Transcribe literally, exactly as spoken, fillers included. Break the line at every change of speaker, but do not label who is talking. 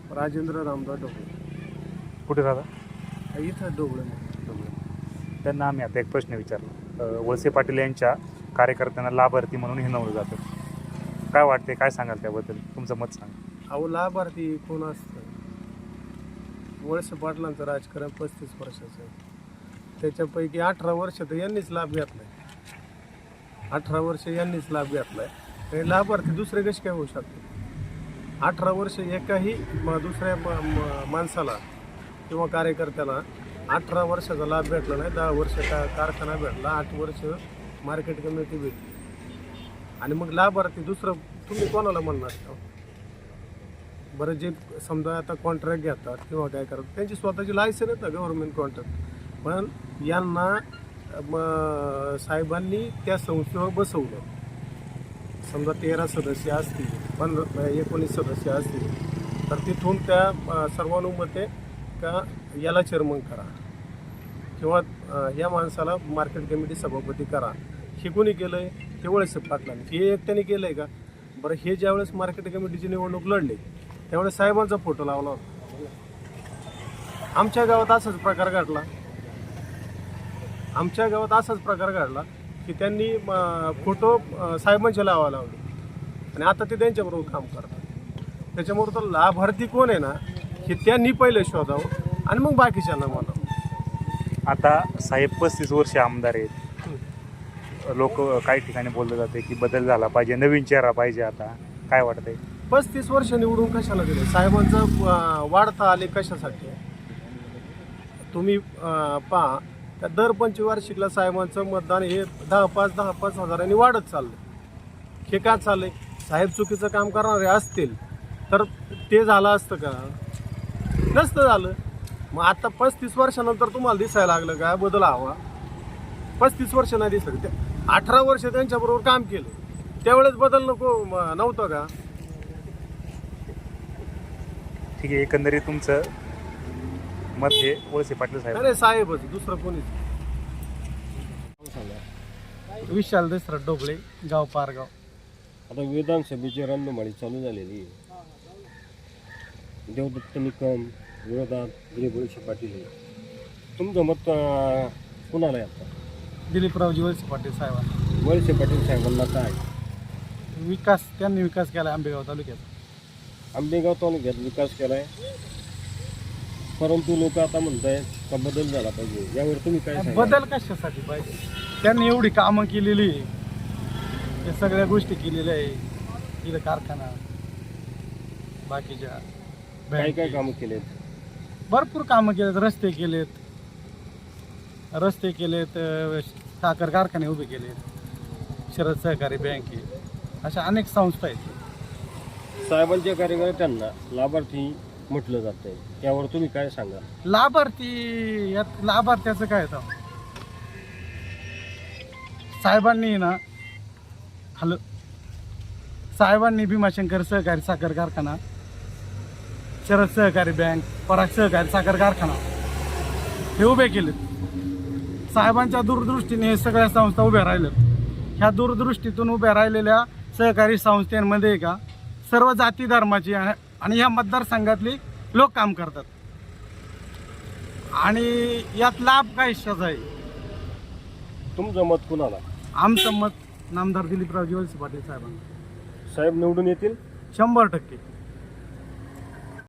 राजेंद्र रामदास ढोबळे.
कुठे राहता?
इथं ढोबळे.
त्यांना आम्ही आता एक प्रश्न विचारला. वळसे पाटील यांच्या कार्यकर्त्यांना लाभार्थी म्हणून हिणवलं जातं, काय वाटते, काय सांगाल त्याबद्दल, तुमचं मत सांगा.
अहो लाभार्थी कोण असतं? वळसे पाटलांचं राजकारण पस्तीस वर्षाचं आहे, त्याच्यापैकी अठरा वर्ष तर यांनीच लाभ घेतलाय. अठरा वर्ष यांनीच लाभ घेतलाय. आणि लाभार्थी दुसरे कसे काय होऊ शकते? अठरा वर्ष एकाही म दुसऱ्या म माणसाला किंवा कार्यकर्त्याला अठरा वर्षाचा लाभ भेटला नाही. दहा वर्ष का कारखाना भेटला, आठ वर्ष मार्केट कमिटी भेटली, आणि मग लाभार्थी दुसरं तुम्ही कोणाला म्हणणार का? बरं, जे समजा आता कॉन्ट्रॅक्ट घेतात किंवा काय करतात त्यांची स्वतःची लायसन आहेत ना गव्हर्नमेंट कॉन्ट्रॅक्ट, पण यांना म साहेबांनी त्या संस्थेवर बसवलं. समजा तेरा सदस्य असतील, पंधरा एकोणीस सदस्य असतील, तर तिथून त्या सर्वानुमते का याला चेअरमन करा किंवा या माणसाला मार्केट कमिटी सभापती करा. हे कोणी केलं आहे? हे वळसे पाटलांनी. हे एकट्याने केलं आहे का? बरं, हे ज्यावेळेस मार्केट कमिटीची निवडणूक लढली त्यावेळेस साहेबांचा फोटो लावला होता. आमच्या गावात असाच प्रकार घडला. आमच्या गावात असाच प्रकार घडला की त्यांनी फोटो साहेबांचे लावायला लावले आणि आता ते त्यांच्याबरोबर काम करतात. त्याच्यामुळे तर लाभार्थी कोण आहे ना हे त्यांनी पहिले शोधावं आणि मग बाकीच्यांना म्हणावं.
आता साहेब पस्तीस वर्ष आमदार आहेत, लोक काही ठिकाणी बोललं जाते की बदल झाला पाहिजे, नवीन चेहरा पाहिजे. आता काय वाटतंय?
पस्तीस वर्ष निवडून कशाला दिले? साहेबांचं वाढता आले कशासाठी? तुम्ही पहा, त्या दर पंचवार्षिकला साहेबांचं मतदान हे दहा पाच दहा पाच हजारांनी वाढत चाललं. हे का चाललंय? साहेब चुकीचं काम करणारे असतील तर ते झालं असतं का? नसतं झालं. मग आता पस्तीस वर्षानंतर तुम्हाला दिसायला लागलं का बदल हवा? पस्तीस वर्ष नाही दिसत. अठरा वर्ष त्यांच्याबरोबर काम केलं, त्यावेळेस बदल नको नव्हतं का?
ठीक आहे, एकंदरीत तुमचं मत हे वळसे पाटील साहेब?
अरे साहेबच, दुसरं कोणीच. विशाल दसरथ ढोबळे, गाव पारगाव.
आता विधानसभेची रणधुमाळी चालू झालेली आहे. देवदत्त निकम विरोधात दिलीप वळसे पाटील. तुमचं मत कुणाला आहे आता?
दिलीपरावजी वळसे पाटील साहेबांना.
वळसे पाटील साहेबांना काय
विकास त्यांनी विकास केला आंबेगाव तालुक्यात.
आंबेगाव तालुक्यात विकास केला आहे, परंतु लोक आता म्हणत आहेत का बदल झाला पाहिजे. यावर तुम्ही काय सांगाल?
बदल कशासाठी पाहिजे? त्यांनी एवढी कामं केलेली, हे सगळ्या गोष्टी केलेल्या आहे. इथं कारखाना, बाकीच्या
काय काय कामं केलेत?
भरपूर कामं केलेत. रस्ते केलेत, रस्ते केलेत, साखर कारखाने उभे केलेत, शरद सहकारी बँक आहे, अशा अनेक संस्था आहेत.
साहेबांच्या कार्यकर्त्यांना लाभार्थी म्हटलं जात आहे, त्यावर तुम्ही काय सांगा?
लाभार्थी, यात लाभार्थ्याचं काय होतं? साहेबांनी ना हॅलो साहेबांनी भीमाशंकर सहकारी साखर कारखाना, शरद सहकारी बँक, पराग सहकारी साखर कारखाना हे उभे केलेत. साहेबांच्या दूरदृष्टीने हे सगळ्या संस्था उभ्या राहिल्यात. ह्या दूरदृष्टीतून उभ्या राहिलेल्या सहकारी संस्थांमध्ये का सर्व जाती धर्माची आणि ह्या मतदारसंघातली लोक काम करतात. आणि यात लाभ काय इच्छाच आहे?
तुमचं मत कुणाला?
आमचं मत नामदार दिलीपरावजी वळसे पाटील साहेबांना.
साहेब निवडून येतील
शंभर टक्के.